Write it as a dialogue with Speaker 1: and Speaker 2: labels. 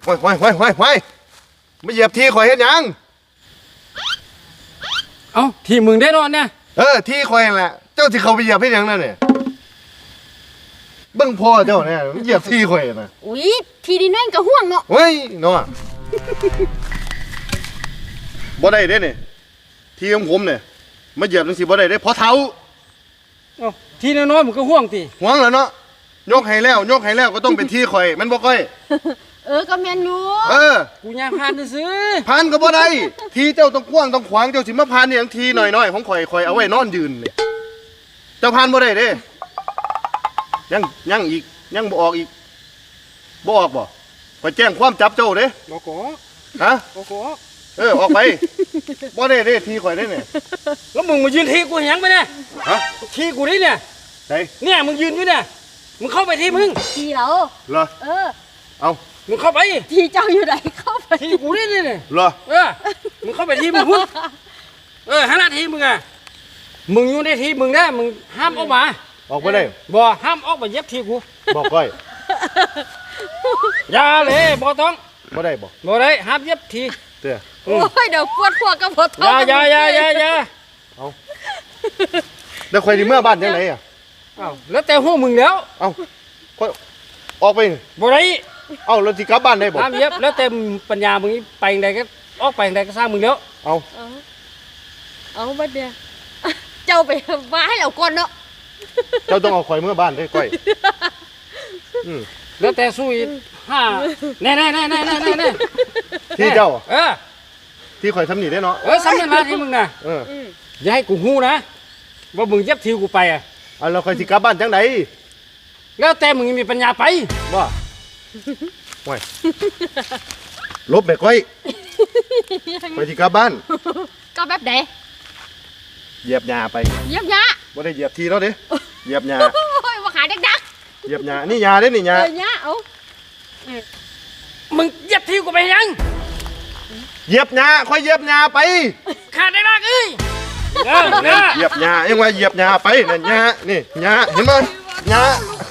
Speaker 1: ห้ยไม่เหยียบที่ข่อยเฮ็ดหยัง
Speaker 2: เอ้าที่มึงได้นอนเนี่ย
Speaker 1: ที่ข่อยนั่นแหละเจ้าที่เขาไปเหยียบเฮ็ดหยังนั่นเนี่ยเบิ่งพ่อเจ้าเนี่ยเหยียบที่ข่อยน่ะ
Speaker 3: อุ๊ยทีดินนั่นก็ห่วงเนาะ
Speaker 1: เฮ้ยเนาะบ่ได้เด้เนี่ยที่ของผมเนี่ยมาเหยียบจังซี่บ่ได้เด้เพราะเท้า
Speaker 2: เอ้าที่น้อยๆมึงก็ห่วงติ
Speaker 1: ห่วงแล้วเนาะยกให้แล้วก็ต้องเป็นที่ข่อยมันบ่ค่อย
Speaker 3: ก็แม่นอยู่
Speaker 2: กูย่างผ่านซื้อ
Speaker 1: ผ่านก็บ่ได้ทีเจ้าต้องกว้างต้องขวางเจ้าสิมาผ่านนี่อย่างทีหน่อยๆของข่อยเอาไว้นอนยืนนี่เจ้าผ่านบ่ได้เด้ยังอีกยังบ่ออกอีกบ่ออกบ่ไปแจ้งความจับเจ้าเด้
Speaker 2: บ่กอ
Speaker 1: ฮะ
Speaker 2: บ่กอ
Speaker 1: ออกไปบ่ได้เด้ทีข่อยได้เนี่ย
Speaker 2: แล้วมึงมายืนทีกูหยังไปเนี่ย
Speaker 1: ฮะ
Speaker 2: ทีกูนี่เนี่ยเนี่ยมึงยืนอยู่เนี่ยมึงเข้าไปทีมึง
Speaker 3: ทีเรา
Speaker 1: เหรอเอา
Speaker 2: มึงเข้าไป
Speaker 3: ทีเจ้าอยู่ไหนเข้าไป
Speaker 2: ทีกูนี่เนี่ย
Speaker 1: เหรอ
Speaker 2: มึงเข้าไปทีมึงพุ่งหาหน้าทีมึงมึงอยู่ในทีมึงนะมึงห้ามออกมา
Speaker 1: ออกไปได้
Speaker 2: บ่ห้ามออกมาเย็บทีกู
Speaker 1: บอกก้อย
Speaker 2: อย่าเลยบ่ต้อง
Speaker 1: บ่ได้
Speaker 2: บ่ได้ห้ามเย็บที
Speaker 1: เด้อ
Speaker 3: โอ้ยเดี๋ยวปวดหัวกับปวดท้อง
Speaker 2: อย่า
Speaker 1: เอาแล้วข่อยสิเมื่อบ้านจังได๋
Speaker 2: แล้วแต่หัวมึงแล้ว
Speaker 1: ข่อยออกไป
Speaker 2: บ่ได้
Speaker 1: แล้วสิกลับบ้านได้บ่
Speaker 2: ห้ามเย็บแล้วแต่ปัญญามึงไปไหนก็ออกไปไหนก็สร้างมึงแล้ว
Speaker 3: เอาบัดเดียวเจ้าไปมาให้เราก่อนเนาะ
Speaker 1: เจ้าต้องเอาข่อยเมื่อบ้านได้ก้อย
Speaker 2: แล้วแต่สู้อีกแน่
Speaker 1: ที่เจ้าที่ข่อยทำนี่ได้เนาะ
Speaker 2: สำนักงานที่มึงนะอย่าให้กูฮู้นะว่ามึงเย็บทิวกูไป
Speaker 1: เราข่อยสิกลับบ้านจังได
Speaker 2: แล้วแต่มึงมีปัญญาไป
Speaker 1: บ่ห่วยลบแม่ก้อยข่อยสิกลับบ้าน
Speaker 3: ก็แบบใด
Speaker 1: เหยียบหญ้าไป
Speaker 3: เหยียบหญ้า
Speaker 1: บ่ได้เหยียบทีแล้วเด้เหยียบหญ้า
Speaker 3: โอ้ยว่าขาดัก
Speaker 1: เหยียบหญ้านี่หญ้าเด้นี่หญ้า
Speaker 3: หญ้า
Speaker 2: มึงเหยียบทิวกูไปยัง
Speaker 1: เหยียบหญ้าค่อยเหยียบหญ้าไป
Speaker 2: ขาได้รักเห
Speaker 1: ยียบหญ้ายังว่าเหยียบหญ้าไปนั่นหญ้านี่หญ้าเห็นมั้ยหญ้า